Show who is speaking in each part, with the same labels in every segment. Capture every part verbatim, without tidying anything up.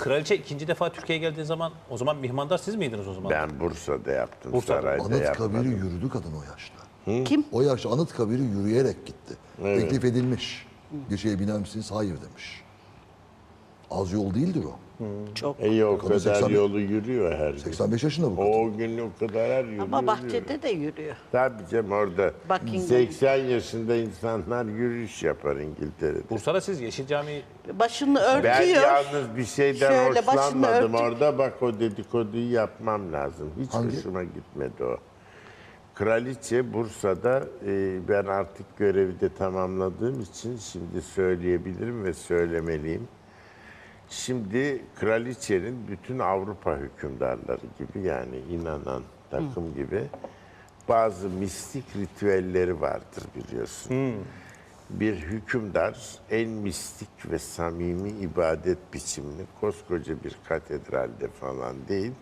Speaker 1: kraliçe ikinci defa Türkiye'ye geldiği zaman o zaman mihmandar siz miydiniz o zaman?
Speaker 2: Ben Bursa'da yaptım,
Speaker 1: Bursa'da.
Speaker 2: sarayda
Speaker 3: Anıtkabir'i
Speaker 2: yapmadım.
Speaker 3: yürüdü kadın o yaşta.
Speaker 4: Kim?
Speaker 3: O yaşta Anıtkabir'i yürüyerek gitti.
Speaker 2: Evet.
Speaker 3: Teklif edilmiş. Geceye biner misiniz? Hayır demiş. Az yol değildir o.
Speaker 4: Çok.
Speaker 2: İyi o
Speaker 3: Kadın
Speaker 2: kadar
Speaker 3: seksen
Speaker 2: yolu yürüyor her gün.
Speaker 3: seksen beş yaşında bu kadın.
Speaker 2: O gün o kadar her yürüyor.
Speaker 4: Ama bahçede de yürüyor.
Speaker 2: Tabii canım orada
Speaker 4: Buckingham.
Speaker 2: seksen yaşında insanlar yürüyüş yapar İngiltere'de.
Speaker 1: Bursa'da siz Yeşil Cami
Speaker 4: Başını
Speaker 2: Ben
Speaker 4: örtüyor.
Speaker 2: yalnız bir şeyden
Speaker 4: Şöyle başını
Speaker 2: hoşlanmadım
Speaker 4: örtük.
Speaker 2: orada. Bak o dedikoduyu yapmam lazım. Hiç
Speaker 3: Hangi?
Speaker 2: hoşuma gitmedi o. Kraliçe Bursa'da e, ben artık görevi de tamamladığım için şimdi söyleyebilirim ve söylemeliyim. Şimdi kraliçenin bütün Avrupa hükümdarları gibi yani inanan takım gibi bazı mistik ritüelleri vardır biliyorsun. Bir hükümdar en mistik ve samimi ibadet biçimini koskoca bir katedralde falan değil,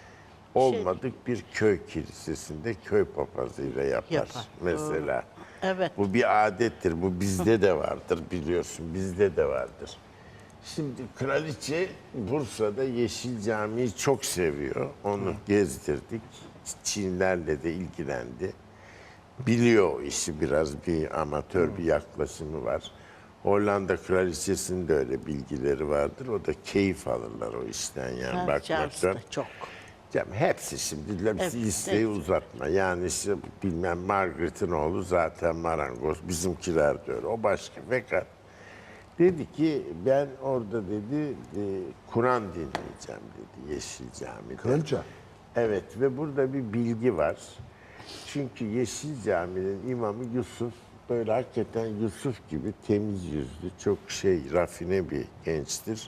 Speaker 2: olmadık bir köy kilisesinde köy papazıyla yapar,
Speaker 4: Yapar.
Speaker 2: mesela.
Speaker 4: Evet.
Speaker 2: Bu bir adettir. Bu bizde de vardır biliyorsun. Bizde de vardır. Şimdi kraliçe Bursa'da Yeşil Camii'yi çok seviyor. Onu gezdirdik. Çinlerle de ilgilendi. Biliyor o işi, biraz bir amatör bir yaklaşımı var. Hollanda kraliçesinin de öyle bilgileri vardır. O da keyif alırlar o işten yani
Speaker 4: Ha, Charles
Speaker 2: bakmaktan.
Speaker 4: da çok.
Speaker 2: Canım hepsi şimdi hepsi
Speaker 4: Hepsi,
Speaker 2: listeyi
Speaker 4: hepsi.
Speaker 2: uzatma. Yani işte bilmem Margaret'in oğlu zaten marangoz. Bizimkiler de öyle. O başka. Fakat dedi ki ben orada dedi e, Kur'an dinleyeceğim dedi Yeşil Cami'de.
Speaker 3: Kraliçe.
Speaker 2: Evet ve burada bir bilgi var. Çünkü Yeşil Cami'nin imamı Yusuf böyle hakikaten Yusuf gibi temiz yüzlü, çok şey rafine bir gençtir.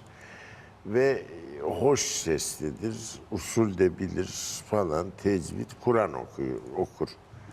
Speaker 2: Ve hoş seslidir, usul de bilir falan, tecvid, Kur'an okuyor, okur.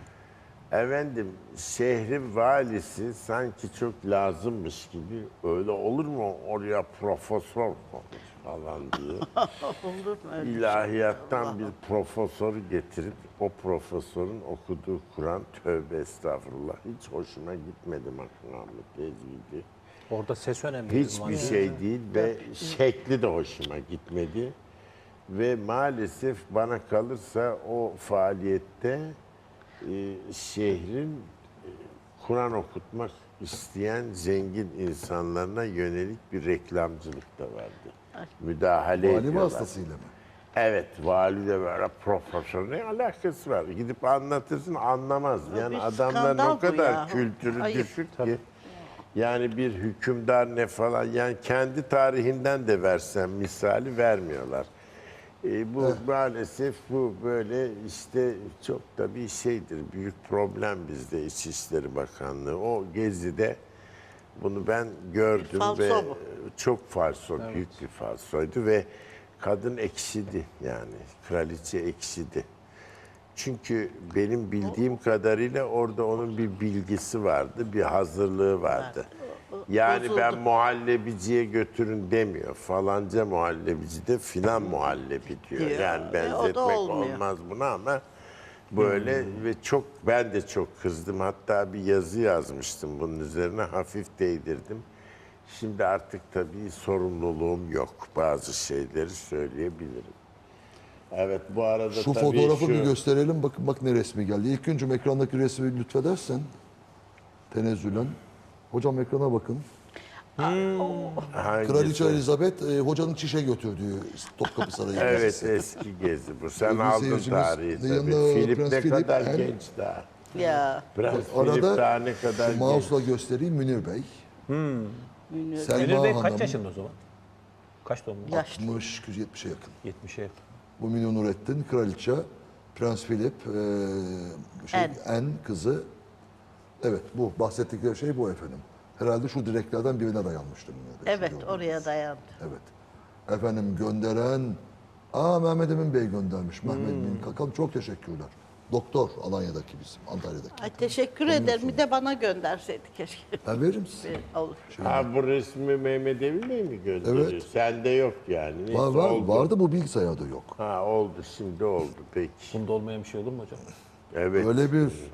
Speaker 2: Efendim, şehrin valisi sanki çok lazımmış gibi, öyle olur mu oraya profesör konuş falan diye.
Speaker 4: Olur mu öyle?
Speaker 2: İlahiyattan bir profesörü getirip o profesörün okuduğu Kur'an, tövbe estağfurullah, hiç hoşuma gitmedi makamı, tecvidi.
Speaker 1: orada ses önemli.
Speaker 2: Hiçbir şey değil ve şekli de hoşuma gitmedi. Ve maalesef bana kalırsa o faaliyette e, şehrin e, Kur'an okutmak isteyen zengin insanlarına yönelik bir reklamcılık da vardı. Müdahale
Speaker 3: Vali
Speaker 2: ediyorlar.
Speaker 3: vasıtasıyla mı?
Speaker 2: Evet, vali de böyle profesör, ne alakası var? Gidip anlatırsın anlamaz. Yani
Speaker 4: bir
Speaker 2: adamların
Speaker 4: skandal
Speaker 2: o
Speaker 4: bu
Speaker 2: kadar
Speaker 4: ya.
Speaker 2: kültürü
Speaker 4: Ayıp.
Speaker 2: düşük ki. Yani bir hükümdar ne falan, yani kendi tarihinden de versen misali vermiyorlar. E, bu maalesef bu böyle işte çok da bir şeydir, büyük problem bizde İçişleri Bakanlığı. O gezide bunu ben gördüm
Speaker 4: Falso
Speaker 2: ve
Speaker 4: bu.
Speaker 2: çok falso, büyük bir falsoydu ve kadın ekşidi yani, kraliçe ekşidi. Çünkü benim bildiğim kadarıyla orada onun bir bilgisi vardı, bir hazırlığı vardı. Yani
Speaker 4: Bozuldu.
Speaker 2: ben muhallebiciye götürün demiyor. Falanca muhallebici de filan muhallebi diyor.
Speaker 4: Diyor.
Speaker 2: Yani
Speaker 4: E, o da
Speaker 2: benzetmek
Speaker 4: olmuyor.
Speaker 2: olmaz buna ama böyle ve çok ben de çok kızdım. Hatta bir yazı yazmıştım bunun üzerine, hafif değdirdim. Şimdi artık tabii sorumluluğum yok. Bazı şeyleri söyleyebilirim. Evet bu arada
Speaker 3: Şu
Speaker 2: tabii
Speaker 3: fotoğrafı
Speaker 2: şu...
Speaker 3: bir gösterelim. Bakın bak ne resmi geldi. İlk öncüm ekrandaki resmi lütfedersen. Tenezzülen. Hocam ekrana bakın.
Speaker 2: Hangisi?
Speaker 3: Kraliçe Elizabeth e, hocanın çişe götürdüğü Topkapı Sarayı
Speaker 2: Evet
Speaker 3: gezisi.
Speaker 2: eski gezi bu. Sen
Speaker 3: Sevgili
Speaker 2: aldın
Speaker 3: seyircimiz,
Speaker 2: tarihi
Speaker 3: yanında
Speaker 2: tabii. Filip
Speaker 3: Prens
Speaker 2: ne
Speaker 3: Philip
Speaker 2: kadar
Speaker 3: hem-
Speaker 2: genç daha.
Speaker 4: Ya.
Speaker 2: Prens Filip daha
Speaker 3: Arada
Speaker 2: ne kadar
Speaker 3: şu
Speaker 2: genç.
Speaker 3: mouse'la göstereyim Münir Bey.
Speaker 4: Münir.
Speaker 3: Selma
Speaker 1: Münir Bey
Speaker 3: Hanım.
Speaker 1: kaç yaşında o zaman? Kaç doğumlu?
Speaker 4: Yaşlı.
Speaker 3: altmış yetmişe yakın.
Speaker 1: yetmişe yakın.
Speaker 3: Bu Münir Nurettin, kraliçe, Prens Philip, e, şey,
Speaker 4: En.
Speaker 3: en kızı. Evet bu bahsettikleri şey bu efendim. Herhalde şu direklerden birine dayanmıştı Münir Bey.
Speaker 4: Evet
Speaker 3: Şu
Speaker 4: oraya
Speaker 3: gördüğünüz.
Speaker 4: dayandı.
Speaker 3: Evet. Efendim gönderen, aa Mehmet Emin Bey göndermiş. Mehmet Emin Kakan çok teşekkürler. Doktor Alanya'daki bizim, Antalya'daki.
Speaker 4: Ay teşekkür ederim. Bir de bana gönderseydi keşke.
Speaker 3: Ben veririm size.
Speaker 4: Bir Olur.
Speaker 2: Ha bu resmi Mehmet Emin Bey mi gönderiyor?
Speaker 3: Evet.
Speaker 2: Sende yok yani. Neyse,
Speaker 3: Var var,
Speaker 2: oldu.
Speaker 3: vardı bu bilgisayarda yok.
Speaker 2: Ha oldu şimdi oldu peki.
Speaker 1: Bunda olmayan bir şey olur mu hocam?
Speaker 2: Evet.
Speaker 3: Öyle bir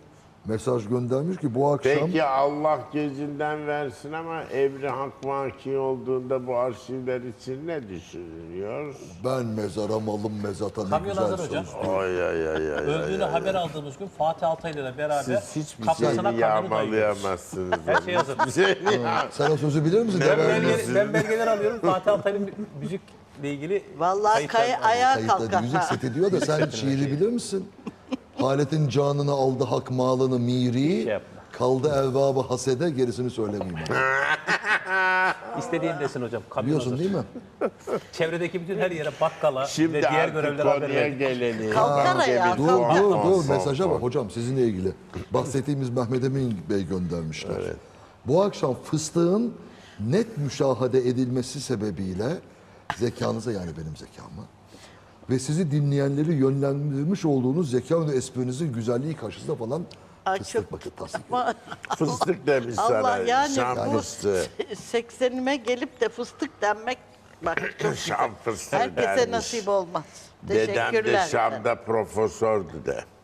Speaker 3: mesaj göndermiş ki bu akşam
Speaker 2: Peki Allah gecinden versin ama emri hak vaki olduğunda bu arşivler için ne düşünülüyor?
Speaker 3: ben mezara malım mezata ne
Speaker 1: Kamyon
Speaker 3: güzel
Speaker 1: hazır hocam.
Speaker 3: söz.
Speaker 2: Ay ay ay ay.
Speaker 1: Öldüğünü haber aldığımız gün Fatih Altaylı'yla beraber
Speaker 2: Siz hiçbir
Speaker 1: kapısına
Speaker 2: şeyi
Speaker 1: kamyonu dayıyoruz.
Speaker 2: yağmalayamazsınız.
Speaker 1: Her şey hazır.
Speaker 2: Bir şey ya.
Speaker 3: Sen o sözü bilir misin?
Speaker 2: Ne
Speaker 3: Devam
Speaker 2: belge-
Speaker 3: ediyorsun.
Speaker 1: Ben, ben belgeler alıyorum. Fatih Altaylı'nın müzikle ilgili
Speaker 4: Vallahi
Speaker 1: kayıtlar
Speaker 4: kay
Speaker 1: var.
Speaker 4: ayağa
Speaker 3: Kayıtları
Speaker 4: kalkar.
Speaker 3: müzik
Speaker 4: ha.
Speaker 3: seti diyor da sen şiiri bilir misin? Haletin canını aldı hak malını miri,
Speaker 1: yapma.
Speaker 3: kaldı evvabı hasede gerisini söylemeyeyim. ben.
Speaker 1: İstediğin desin hocam. Kamyon
Speaker 3: Biliyorsun
Speaker 1: hazır.
Speaker 3: değil mi?
Speaker 1: Çevredeki bütün her yere bakkala
Speaker 2: Şimdi
Speaker 1: ve diğer
Speaker 2: artık
Speaker 1: görevlere haber
Speaker 2: konuya
Speaker 1: verdik.
Speaker 2: gelelim.
Speaker 4: Kalkar
Speaker 2: Bence
Speaker 4: ayağa,
Speaker 2: bir
Speaker 3: Dur
Speaker 4: kalkar.
Speaker 3: dur
Speaker 2: son,
Speaker 3: dur
Speaker 2: son,
Speaker 3: mesaja
Speaker 2: son.
Speaker 3: bak hocam sizinle ilgili. Bahsettiğimiz Mehmet Emin Bey göndermişler. Bu akşam fıstığın net müşahede edilmesi sebebiyle zekanıza yani benim zekama ve sizi dinleyenleri yönlendirmiş olduğunuz zeka ve esprinizin güzelliği karşısında falan
Speaker 4: Ay,
Speaker 3: fıstık
Speaker 4: çok-
Speaker 3: bakın tasdik.
Speaker 4: Ama
Speaker 2: Fıstık demiş
Speaker 4: Allah
Speaker 2: sana.
Speaker 4: yani
Speaker 2: Şam
Speaker 4: bu
Speaker 2: fıstığı.
Speaker 4: seksenime gelip de fıstık denmek bak çok güzel.
Speaker 2: Şam fıstığı
Speaker 4: Herkese
Speaker 2: dermiş.
Speaker 4: nasip olmaz.
Speaker 2: Dedem de
Speaker 4: Teşekkürler.
Speaker 2: Şam'da profesördü de.